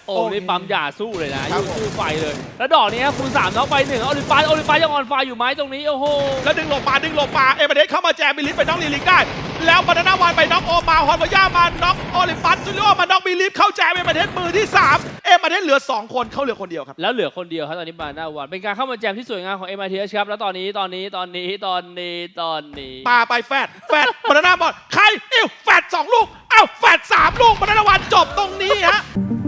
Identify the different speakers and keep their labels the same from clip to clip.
Speaker 1: โอ้นี่ปั๊มยาสู้เลยนะยูสู้ไฟเลยแล้วดอกนี้คูณ3น็อกไป1โอลิมปัสยังออนไฟอยู่ไหมตรงนี้โอ้โห
Speaker 2: แล้วดึงหลบมาเอเมเดสเข้ามาแจมบิลิฟไปน็อกลีลิกได้แล้วบานาน่าวันไปน็อกโอมาฮอนวาย่ามาน็อกโอลิมปัสจูเลียมาน็อกบิลิฟเข้าแจมเอเมเดสมือที่3เอเมเดสเหลือ2คนเขาเหลือคนเดียวครับ
Speaker 1: แล้วเหลือคนเดียวครับตอนนี้บานาน่าวันเป็นการเข้ามาแจมที่สวยงามของ MITH ครับแล้วตอนนี้
Speaker 2: ปาไปแฟดบานาน่าบอลใครแฟด2ลูกแฟด3ลูกบานาน่าวันจบตรงนี้ฮะ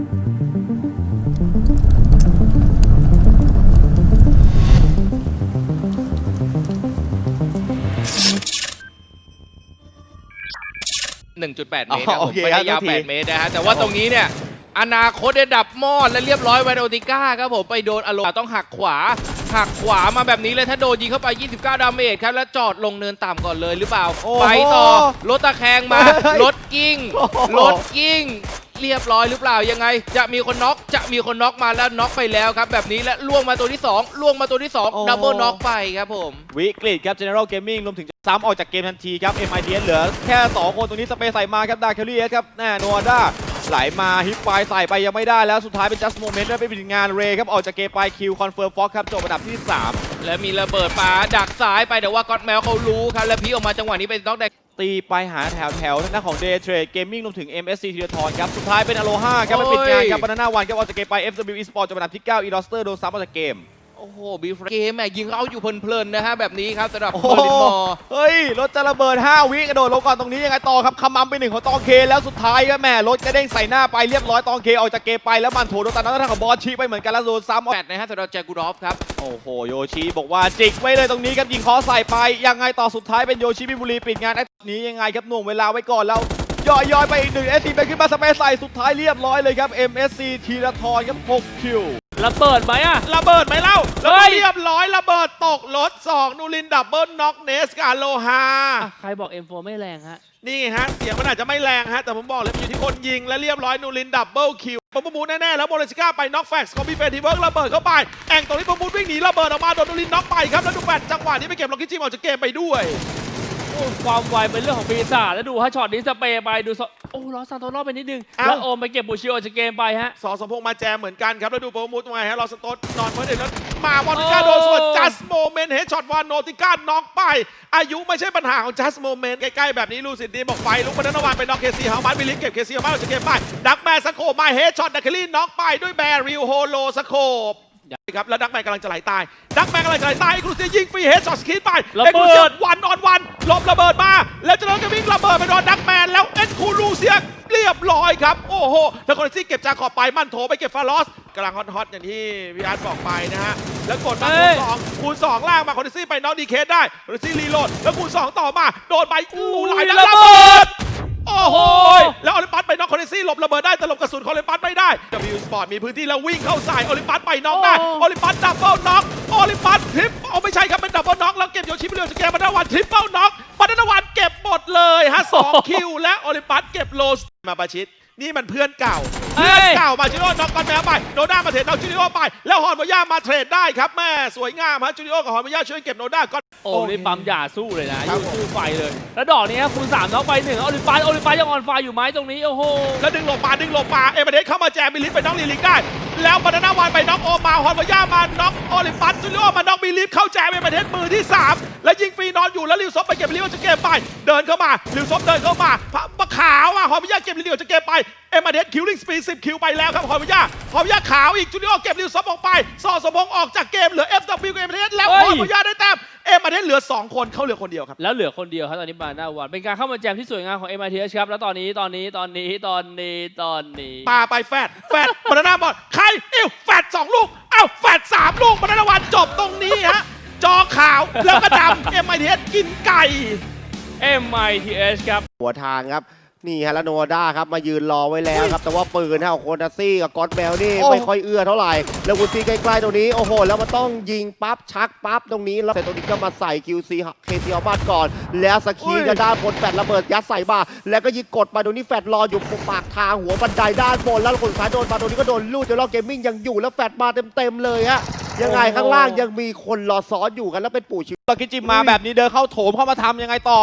Speaker 3: 1.8 เมตรนะผมไม่ได้ยาว8 เมตรนะฮะแต่ว่าตรงนี้เนี่ยอนาคตได้ดับมอดและเรียบร้อยไวโอติก้าครับผมไปโดนอารมณ์ต้องหักขวามาแบบนี้เลยถ้าโดนยิงเข้าไป29ดาเมจครับแล้วจอดลงเนินต่ำก่อนเลยหรือเปล่าไปต่อรถตะแคงมารถกิ้งเรียบร้อยหรือเปล่ายังไงจะมีคนน็อกมาแล้วน็อกไปแล้วครับแบบนี้และล่วงมาตัวที่2ดับเบิลน็อกไปครับผม
Speaker 4: วิกฤตครับ General Gaming รวมถึงซ้ำออกจากเกมทันทีครับ MITH เหลือแค่2คนตรงนี้สเปซใส่มาครับดาร์เคลลี่ครับแน่โนอาด้าไหลมาฮิปไฟใส่ไปยังไม่ได้แล้วสุดท้ายเป็น Just Moment ได้ไปปิดงานเรย์ครับออกจากเกมไปคิวคอนเฟิร์มฟ็อกครับจบอันดับที่3
Speaker 3: และมีระเบิดปาดักซ้ายไปแต่ว่าก็อดแมวเขารู้ครับแล้วพีออกมาจังหวะนี้เป็นน็อกแดง
Speaker 4: ตีไปหาแถวทางด้านของ Day Trade Gaming รวมถึง MSC ธีรทรครับสุดท้ายเป็นอโลฮาครับไปปิดงานครับบานาน่าวันครับออกจากเกมไป FW Esport จบอันดับที่9อีลอสเตอร์โดนซ้ำออกจากเกม
Speaker 3: โอ้โหบีฟเกมแม่ยิงเขาอยู่เพลินๆนะฮะแบบนี้ครับสำหรับเบอร์ลินมอร์
Speaker 4: เฮ้ยรถจะระเบิด5 วิกระโดดลงก่อนตรงนี้ยังไงต่อครับคำมั่มไป1ของตองเคแล้วสุดท้ายก็แม่รถกระเด้งใส่หน้าไปเรียบร้อยตองเคออกจากเกมไปแล้วมันโถโดนตัดหน้าของบอสชีไปเหมือนกันแล้วโดนซ้ำ
Speaker 3: แปดนะฮะสำหรับแจกูรอฟครับ
Speaker 4: โอ้โหโยชิบอกว่าจิกไว้เลยตรงนี้ครับยิงคอใส่ไปยังไงต่อสุดท้ายเป็นโยชิมิบุรีปิดงานไอ้นี้ยังไงครับหน่วงเวลาไว้ก่อนแล้วย่อยไปอีก1 SC ไปขึ้นมาสเปซใส่สุดท้ายเรียบร้อยเลยครับ MSC ธีรทรครับ6 คิว
Speaker 1: ระเบิดไหม
Speaker 2: ระเบิดไหมเล่าแล้วเรียบร้อยระเบิดตกรถ2นูรินดับเบิลน็อกเนสกับโลฮา
Speaker 1: ใครบอก M4 ไม่แรงฮะ
Speaker 2: นี่ฮะเสียงมันอาจจะไม่แรงฮะแต่ผมบอกเลยอยู่ที่คนยิงและเรียบร้อยนูรินดับเบิลคิวปมูแน่ๆแล้วโมเลสกาไปน็อกแฟกซ์คอมบิเฟนทีเวิร์กระเบิดเข้าไปแองตรงนี้ปมูวิ่งหนีระเบิดออกมาโดนนูรินน็อกไปครับแล้วดูแฟดจังหวะนี้ไปเก็บล็อกกี้จิมออกจากเกมไปด้วย
Speaker 1: ความไวเป็นเรื่องของปีศาจแล้วดูฮะช็อตนี้สเปย์ไปดูล้อซานโตโน่ไปนิดนึงแล้วโอมไปเก็บบูชิโอจากเกมไปฮะ
Speaker 2: สมพงษ์มาแจมเหมือนกันครับแล้วดูโปรโมทมาฮะลอสโตสนอนเมื่อเด็กแล้วมาวอนติก้าโดนส่วนจัสโมเมนต์เฮดช็อตวานโนติก้าน็อกไปอายุไม่ใช่ปัญหาของจัสโมเมนต์ใกล้ๆแบบนี้ลูซินดีบอกไฟลุกบานาน่าวันไปน็อกเคซีฮามันบิลิฟเก็บเคซีฮามันออกจากเกมไปดักแมนสโคปมาเฮดช็อตดักเคลลี่น็อกไปด้วยแบริลโฮโลสโคปครับแล้วดักแมนกำลังจะไหลตายเอ็กซ์คลูซียิงฟรีเฮดช็อตสกีดไปเอ็กซ์คลูซีวันออนวันลบระเบิดมาแล้วจะโดนกระวิ่งระเบิดไปโดนดักแมนแล้วเอ็กซ์คลูซีเรียบร้อยครับโอ้โหแล้วคอนซี่เก็บจาขอบไปมั่นโถไปเก็บฟาลอสกำลังฮอตอย่างที่พี่อาร์ตบอกไปนะฮะแล้วกดมาคูณ2ล่างมาคอนซี่ไปน็อกดีเคสได้คอนซี่รีโหลดแล้วคูณ2ต่อมาโดนไปหลายนัดระเบิดโอ้โหแล้วโอลิมปัสไปน็อกคอนซี่หลบระเบิดได้แต่หลบกระสุนโอลิมปัสไม่ได้ W Sport มีพื้นที่แล้ววิ่งเข้าใส่โอลิมปัสไปน็อกได้โอลิมปัสดับเบิลน็อกโอลิมปัสทริปไม่ใช่ครับเป็นดับเบิลน็อกแล้วเก็บโยชิไปเรียวสเกมบานาน่าวันทริปเปิลน็อกบานาน่าวันเก็บหมดเลยฮะ2 คิวและโอลิมปัสเก็บโลสมาประชิดนี่มันเพื่อนเก่ามาจูริโอน็อกกันแมวไปโนด้ามาเทรดน็อกจูริโอไปแล้วฮอนวาย่ามาเทรดได้ครับแม่สวยงามฮะจูริโอกับฮอนวาย่าช่วยเก็บโนด้าก็
Speaker 1: โอ้นี่ปั๊มยาสู้เลยนะยูสู้ไฟเลยแล้วดอกนี้คูณ3น็อกไป1โอลิมปัสยังออนไฟอยู่ไหมตรงนี้โอ้โห
Speaker 2: แล้วดึงหลบมาเอเมเดสเข้ามาแจมบิลิฟไปน็อกลีลิกได้แล้วบานาน่าวันไปน็อกโอมาฮอนวาย่ามาน็อกโอลิมปัสจูริโอมาน็อกบิลิฟเข้าแจมเอเมเดสมือที่3แล้วยิงฟรีนอนอยู่แล้วลิวซอฟไปเก็บลิวจะเก็บไปเดินเข้ามาลิวซอฟเดินเข้ามาปะขาวฮอนวาย่าเก็บลิวจะเก็บไปเอเมเดสคิวลิ่งสปีด10 คิวไปแล้วครับฮอนวาย่าขาวอีกจูริโอเก็บลิวซอฟออกไปสมพงษ์ออกจากเกมเหลือ FW กับเอเมเดสแล้วฮอนวาย่าได้แต้มเอเมเดสเหลือ2 คนเขาเหลือคนเดียวครับ
Speaker 1: แล้วเหลือคนเดียวครับตอนนี้บานาน่าวันเป็นการเข้ามาแจมที่สวยงามของ MITH ครับแล้วตอนนี้
Speaker 2: ปาไปแฟดบานาน่าบอลใครแฟด2 ลูกแฟด3 ลูกบานาน่าวันจบตรงนี้ฮะจอขาวแล้วก็ดำ MITH กินไก่
Speaker 1: MITH ครับ
Speaker 4: หัวทางครับนี่ฮะแล้วโนด้าครับมายืนรอไว้แล้วครับแต่ว่าปืนของโคนาซี่กับกอตแบลนี่ไม่ค่อยเอื้อเท่าไหร่แล้ววูซี่ใกล้ๆตรงนี้โอ้โหแล้วมันต้องยิงปั๊บชักปั๊บตรงนี้แล้วแต่ตรงนี้ก็มาใส่ QC เคซีเอาบ้านก่อนแล้วสกีจะด้านบนแฟดระเบิดยัดใส่มาแล้วก็ยิงกดมาตรงนี้แฟดรออยู่ปากทางหัวบันไดด้านบนแล้วคนสุดท้ายโดนมาตรงนี้ก็โดนลูดเดี๋ยวเราเกมมิ่งยังอยู่แล้วแฟดมาเต็มเลยฮะยังไงข้างล่างยังมีคนรอซ้อนอยู่กันแล้วเป็นปู่ชิวกิจิมมาแบบนี้เดินเข้าโถมเข้ามาทำยังไงต่อ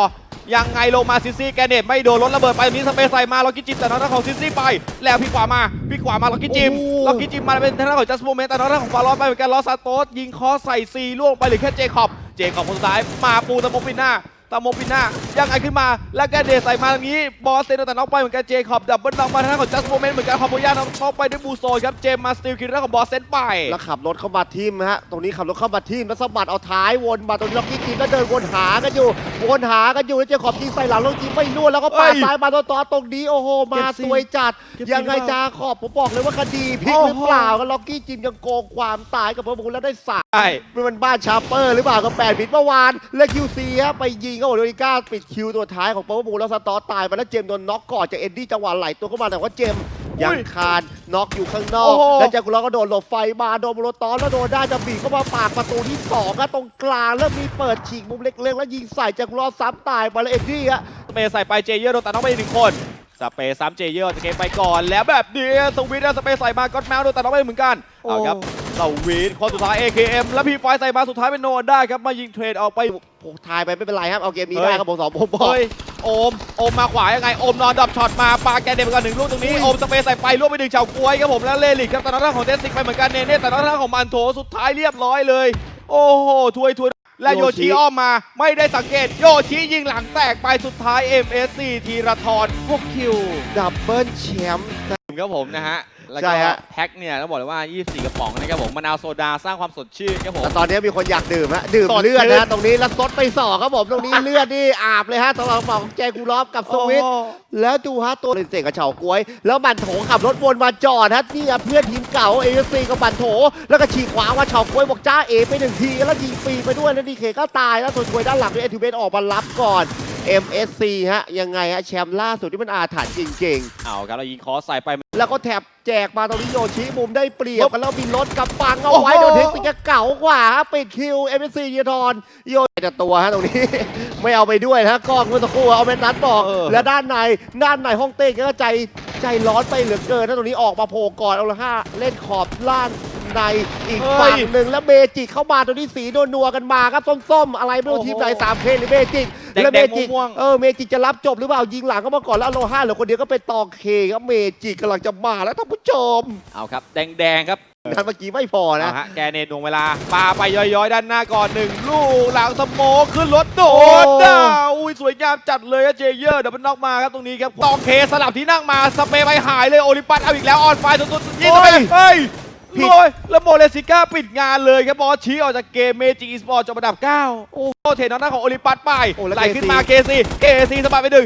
Speaker 5: ยังไงลงมาซิซี่แกเนตไม่โดนรถระเบิดไปตรงนี้สเปซใส่มาล็อกกี้จิมแต่ทางด้านของซิซี่ไปแล้วพี่ขวามาล็อกกี้จิมมาเป็นทางด้านของจัสโมเมนต์แต่ทางด้านของฟาลอนไปเหมือนกันลอสซาโตสยิงคอใส่ซีล่วงไปเหรือแค่เจคอบคนสุดท้ายมาปูตะโมปิน่ายังไงขึ้นมาแล้วแกเดใส่มาตรงนี้บอสเซนแต่น็อกไปเหมือนกันเจคอบดับเบิลน็อกมาทางด้านของจัสโมเมนต์เหมือนกันคอมโบย่าน็อกไปด้วยบูโซครับเจมมาสติลคิดด้านของบอสเซนไป
Speaker 4: แล้วขับรถเข้ามาทีมฮะตรงนี้ขับรถเข้ามาทีมแล้วสะบัดเอาท้ายวนมาตรงนี้ล็อกกี้ทีมแล้วเดินวนหากันอยู่แล้วเจขอบยิงใส่หลังล็อกกี้ไม่ล่วนแล้วก็ปาดซ้ายมาต่อตรงนี้โอ้โหมาสวยจัดยังไงจาขอบผมบอกเลยว่าคดีพลิกหรือเปล่ากันล็อกกี้จิมยังโกงความตายกับเพิ่มพูนแล้วได้สา
Speaker 5: ใช่
Speaker 4: มันบ้านชาร์เปอร์หรือเปล่ากับ8 บิตเมื่อวานและคิวซีฮะไปยิงเขาโดนิก้าปิดคิวตัวท้ายของเพิ่มพูนแล้วสตอตายไปแล้วเจมโดนน็อกก่อนจากเอ็ดดี้จังหวะไหลตัวเข้ามาแต่ว่าเจมยังคานน็อกอยู่ข้างนอกแล้วจากกุลก็โดนหลบไฟมาโดนโมโลตอนแล้วโดนได้จะบีบเข้ามาปากประตูที่2ครับตรงกลางแล้วมีเปิดฉีกมุมเล็กๆแล้วยิงใส่จากกุลซ้ำตายไปแล้วเอ็ดดี้ฮะ
Speaker 5: สเปซใส่ไปเจเยอร์โดนตัดน้องไปอีก1 คนสเปซซ้ำเจเยอร์จะเกมไปก่อนแล้วแบบนี้สวิตสเปซใส่มาก็อดแมวโดนตัดน้องไปเหมือนกันเอาครับสวิตคนสุดท้าย AKM แล้วพี่ไฟใส่มาสุดท้ายเป็นโนนได้ครับมายิงเทรดออกไป
Speaker 4: ผมทายไปไม่เป็นไรครับเอาเกมนี้ได้ครับผม2ผมบอก
Speaker 5: เฮ้ยโอมมาขวายังไงโอมนอนดับช็อตมาปาแกเดมก่อน1 ลูกตรงนี้โอมสเปซใส่ไปล่วงไป1เฉากล้วยครับผมแล้วเลลิกครับแต่ทางด้านของเทสซิกไปเหมือนกันเนเน่แต่ทางด้านของมันโถสุดท้ายเรียบร้อยเลยโอ้โหถวยและโยชิอ้อมมาไม่ได้สังเกตโยชิยิงหลังแตกไปสุดท้าย MSC ธีรทร6 คิว
Speaker 4: ดับเบิลแชมป์
Speaker 5: ครับผมนะฮะแล้ว
Speaker 4: ใช่
Speaker 5: ก็
Speaker 4: ฮะ
Speaker 5: แพ็คเนี่ยต้องบอกเลยว่า 24 กระป๋องนะครับผมมะนาวโซดาสร้างความสดชื่นครับผม
Speaker 4: แต่ตอนนี้มีคนอยากดื่มฮะดื่ม
Speaker 5: สด
Speaker 4: เลือด
Speaker 5: ชื่
Speaker 4: นะ
Speaker 5: น
Speaker 4: ตรงนี้แล้วซดไปสอกครับผมตรงนี้ เลือดนี่อาบเลยฮะสำหรับหมอของแจกูรอฟกับสวิต
Speaker 5: โอ้
Speaker 4: แล้วดูฮะตัวเสกกับเฉากล้วย แล้วบันโถขับรถวนมาจอดฮะนี่เพื่อนทีมเก่าเอฟซีกับบันโถ แล้วก็ฉีกขวาว่าเฉากล้วยบอกจ้าเอไป1 ทีแล้วยิงฟรีไปด้วยแล้วดีเคก็ตายแล้วส่วนช่วยด้านหลังด้วยเอทูเบนออกมารับก่อน MSC ฮะยังไงฮะแชมป์ล่าสุดที่มันอาถรรพ์จริงๆ
Speaker 5: เอาครับเรายิงคอใส่ไป
Speaker 4: แล้วก็แถบแจกมาตรงนี้โยชิมุมได้เปรียบกันแล้วมีรถกับปังเอาไว้โดนเทคนิคเก่ากว่าฮะปิดคิว MSC เยทอนโยแต่ตัวฮะตรงนี้ ไม่เอาไปด้วยนะกล้องเมื่อสักครู่เอาเมนัทบอก และด้านในห้องเต้ก็ใจร้อนไปเหลือเกินนะตรงนี้ออกมาโผล่ก่อนเอาละ5เล่นขอบล่างในอีกฝั่งหนึ่งแล้วเมจิกเข้ามาตรงนี้สีนัวๆกันมาครับส้มๆอะไรไม่รู้ทีมไหน3K หรือเมจิกแล้วเมจิกเมจิกจะรับจบหรือเปล่ายิงหลังเข้ามาก่อนแล้วโลห้าเหลือคนเดียวก็เป็นตองเคครับเมจิกกำลังจะมาแล้วท่านผู้ชม
Speaker 5: เอาครับแดงครับ
Speaker 4: นันเมื่อกี้ไม่พอนะ
Speaker 5: เอาฮะแกเนตวงเวลาปาไปย้อยๆด้านหน้าก่อน1 ลูกหลังสโมกขึ้นรถโดดดาวอุ้ยสวยงามจัดเลยอะเจเยอร์เดี๋ยวมันน็อกมาครับตรงนี้ครับตองเคสลับที่นั่งมาสเปรย์ไปหายเลยโอลิมปัสเอาอีกแล้วออนไฟสุดๆยิงไปเฮ้ย
Speaker 4: ผิด
Speaker 5: รวยแล้วโมเลสิก้าปิดงานเลยครับบอสชี้ออกจากเกมเมจิกอีสปอร์ตจบอันดับ 9 โอ้เทนน้าของโอลิมปัสไป
Speaker 4: โอ้แล้ว
Speaker 5: ไหลขึ้นมาเคซีสะบัดไป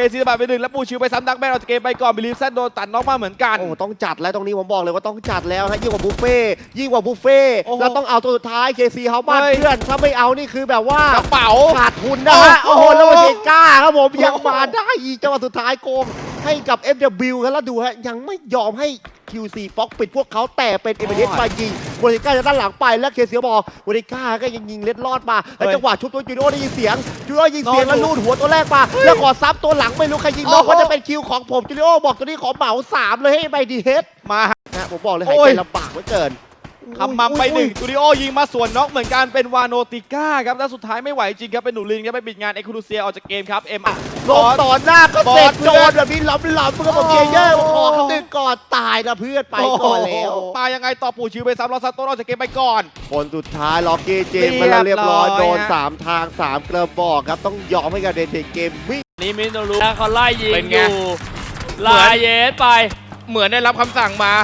Speaker 5: 1แล้วปูชิวไปซ้ำดักแมนออกจากเกมไปก่อนบิลีฟแซนโดนตัดน็อกมาเหมือนกัน
Speaker 4: โอ้ต้องจัดแล้วตรงนี้ผมบอกเลยว่าต้องจัดแล้วฮะยิ่งกว่าบุฟเฟ่ต์
Speaker 5: โอ้โห
Speaker 4: แล้วต้องเอาตัวสุดท้ายเคซีเฮาบ้าน
Speaker 5: เฮ้ย
Speaker 4: เพื่อนถ้าไม่เอานี่คือแบบว่าก
Speaker 5: ระเป๋า
Speaker 4: ขาดทุนนะฮะ
Speaker 5: โอ้
Speaker 4: โอ้
Speaker 5: โห
Speaker 4: โหแล้วเจก้าครับผมยังมาได้อีกจังหวะสุดท้ายโกงให้กับ FW ครับแล้วดูฮะยังไม่ยอมให้ QC Fox ปิดพวกเขาแต่เป็นเอเมเดสมายิงโมนิก้าจะด้านหลังไปแล้วเคซีบอกโมนิก้าก็ยังยิงเล็ดลอดมาแล้วจังหวะชุบตัวจูโน่ได้ยินเสียงแล้วลูดหัวตัวแรกมาแล้วกอดซับตัวหลังไม่รู้ใครยิงน้องก็จะเป็นคิวของผมจูโน่บอกตัวนี้ขอเหมา3เลยให้ไปดีเฮด
Speaker 5: มาฮะ
Speaker 4: นะผมบอกเลยหายใจลำบากเหลือเกิน
Speaker 5: คำมัมไป1ตูดิโอยิงมาสวนน็อกเหมือนกันเป็นวาโนติก้าครับแล้วสุดท้ายไม่ไหวจริงครับเป็นหนูลินครับไปปิดงานเอ็กซ์คลูเซียออกจากเกมครับเอ็ม
Speaker 4: ลงต่อหน้าก็เสร็จ
Speaker 5: บอส
Speaker 4: โดนแบบนี้ล้ำเพื่อนผมเจเยอร์ขอคำนึงก่อนตายนะเพื่อนไปก่อนแล้ว
Speaker 5: มายังไงต่อปู่ชิวไปซ้ำลอซาโต้ออกจากเกมไปก่อน
Speaker 4: คนสุดท้ายล็อกเกเจมมาแล้วเรียบร้อย
Speaker 5: เรียบร้อย
Speaker 4: โดน
Speaker 5: ฮะ
Speaker 4: 3 ทาง 3 กระบอกครับ ต้องยอมให้กับเดนเทเกมวิ่ง
Speaker 1: นี่มิโนรุเขาไล่ยิง
Speaker 3: เป็น
Speaker 1: อ
Speaker 3: ไง
Speaker 1: ยู่ลายเยสไป
Speaker 3: เหมือนได้รับคำสั่งมา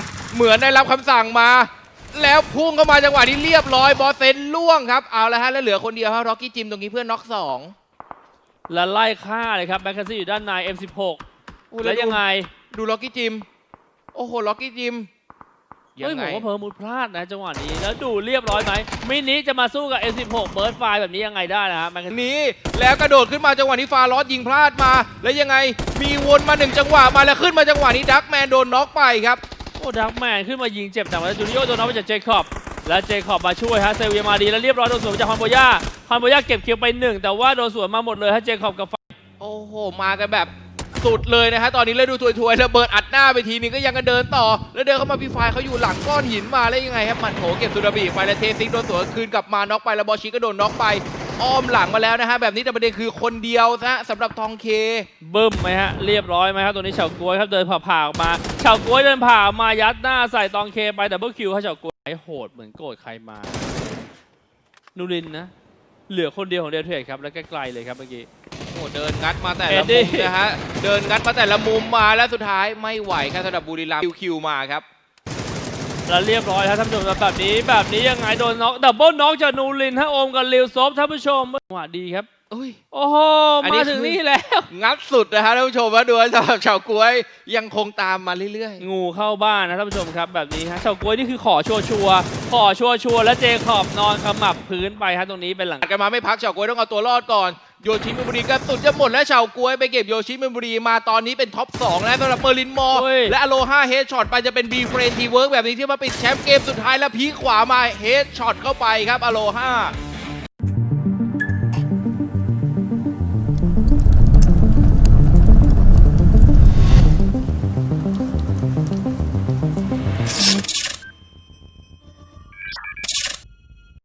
Speaker 3: แล้วพุ่งเข้ามาจังหวะนี้เรียบร้อยบอสเซนล่วงครับเอาละฮะแล้วเหลือคนเดียวครับร็อกกี้จิมตรงนี้เพื่อนน็อก2
Speaker 1: แล้วไล่ฆ่าเลยครับแบ็คแคนซี่อยู่ด้านใน M16 แล้วยังไง
Speaker 3: ดูล็อกกี้จิมโอ้โหล็อกกี้จิมยั
Speaker 1: เฮ้ย
Speaker 3: ง
Speaker 1: ผ
Speaker 3: ไง
Speaker 1: มว่าเพิ่มมุดพลาดนะจังหวะนี้แล้วดูเรียบร้อยไหมมินิจะมาสู้กับ M16 เบิร์ดไฟแบบนี้ยังไงได้นะฮะแบ็คแคนซี่
Speaker 3: นี้แล้วกระโดดขึ้นมาจังหวะนี้ฟาลอสยิงพลาดมา แล้วยังไงมีวนมา1จังหวะมาแล้วขึ้นมาจังหวะนี้ดักแมนโดนน็อกไปครับ
Speaker 1: โอ้ดักแมนขึ้นมายิงเจ็บแต่ว่าจูริโอโดนน็อกไปจากเจคอบและเจคอบมาช่วยฮะเซเวียมาดีแล้วเรียบร้อยโดนสวนจากฮอนโบย่าเก็บคิวไป1แต่ว่าโดนสวนมาหมดเลยฮะเจคอบกับ
Speaker 3: โอ้โหมากันแบบสุดเลยนะฮะตอนนี้เลยดูถวยๆระเบิดอัดหน้าไปทีนึงก็ยังกันเดินต่อแล้วเดินเข้ามาพี่ไฟเขาอยู่หลังก้อนหินมาแล้วยังไงครับมันโถเก็บสุดาบีไปแล้วเทซิกโดนสวนคืนกลับมาน็อกไปแล้วบอชิก็โดนน็อกไปอ้อมหลังมาแล้วนะฮะแบบนี้แต่ประเด็นคือคนเดียวนะสำหรับทองเค
Speaker 1: บึ้มไหมฮะเรียบร้อยไหมครับตัวนี้เฉาก๊วยครับเดินผ่าออกมาเฉาก๊วยเดินผ่าออกมายัดหน้าใส่ตองเคไปดับเบิลคิวครับเฉาก๊วยไอ้โหดเหมือนโกรธใครมานูรินนะเหลือคนเดียวของเดลเทรดครับแล้วไกลๆเลยครับเมื่อกี้
Speaker 3: โอ้เดินงัดมาแต่
Speaker 1: เอ็
Speaker 3: ละ
Speaker 1: ดดี้
Speaker 3: มุมนะฮะเดินงัดมาแต่ละมุมมาแล้วสุดท้ายไม่ไหวครับสำหรับบุรีรัมย์คิวมาครับ
Speaker 1: แล้วเรียบร้อยครับท่านผู้ชมครับแบบนี้ยังไงโดนน็อกดับเบิลน็อกจากนูรินฮะโอมกับลิวซอฟท่านผู้ชมจังหวะดีครับ
Speaker 3: เอ้ย
Speaker 1: โอ้โห
Speaker 3: อันนี้
Speaker 1: มาถึง
Speaker 3: คือ
Speaker 1: นี่แล้ว
Speaker 3: งัดสุดนะฮะท่านผู้ชมว่าดูสำหรับชาวกล้วยยังคงตามมาเรื่อย
Speaker 1: งูเข้าบ้านนะท่านผู้ชมครับแบบนี้ฮะเฉาก๊วยนี่คือขอชัวร์และเจคอบนอนขมับพื้นไปฮะตรงนี้เป็นหลัง
Speaker 3: ๆกันมาไม่พักชาวกล้วยต้องเอาตัวรอดก่อนโยชิมินบุรีกระสุนจะหมดและชาวกล้วยไปเก็บโยชิมินบุรีมาตอนนี้เป็นท็อป2แล้วสำหรับเมอร์ลินมอร์
Speaker 1: เฮ้ย
Speaker 3: และอโลฮาเฮดช็อตไปจะเป็นบีเฟรนทีเวิร์กแบบนี้ที่มาปิดแชมป์เกมสุดท้ายแล้วพีคขวามาเฮดช็อตเข้าไปครับอโลฮา